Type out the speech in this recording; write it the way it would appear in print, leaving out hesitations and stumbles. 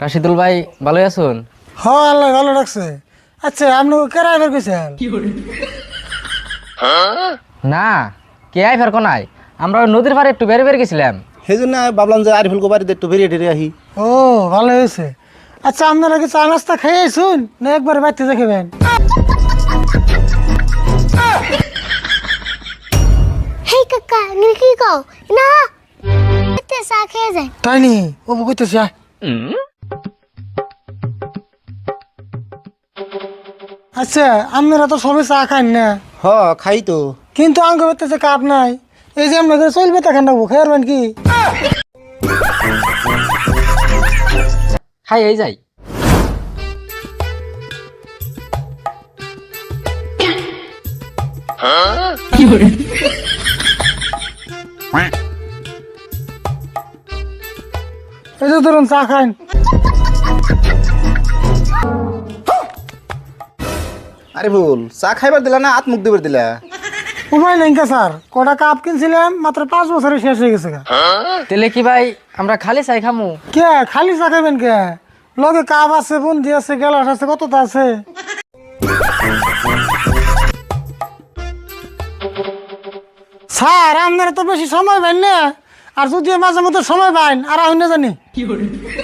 রাশিদুল ভাই ভালোই আছেন? হ্যাঁ আল্লাহ ভালো রাখছে। আচ্ছা আপনি কেরাই বের কইছেন? না কে আই ফের কোনাই, আমরা ওই নদীর পাড়ে একটু বেড়ে বেড়ে গেছিলাম। সেই জন্য ভাবলাম যে আরিফুল বাড়িতে একটু বেরিয়ে টেরিয়ে আহি। ও ভালো হয়েছে। আচ্ছা আপনারা কি চা নাস্তা খেয়ে শুন না একবার বাড়িতে দেখাবেন? হেই কাকা নিল কি কও না এতে চা খেয়ে যায় তাই নি ও কইতেছি আয়। আচ্ছা আপনারা তো সবাই চা খান না, হ খাই তো। কিন্তু আঙ্গ বেতেছে কাপ নাই। এই যে আপনাদের চলবে তা খান রাখবো খেয়ারবেন কি? খাই এই যাই। এই যে ধরুন চা খান। আরিফুল চা খাইবার দিলা না হাত মুখ দিবার দিলা? উপায় নেই কা স্যার, কটা কাপ কিনছিলাম মাত্র 5 বছরে শেষ হয়ে গেছে। তেলে কি ভাই আমরা খালি চাই খামু? কে খালি চা খাবেন কে? লগে কাপ আছে, বুন্দি আছে, গেলাস আছে, কতটা আছে। স্যার আপনারা তো বেশি সময় পাইন না, আর যদি মাঝে মধ্যে সময় পাইন আর আমি না জানি।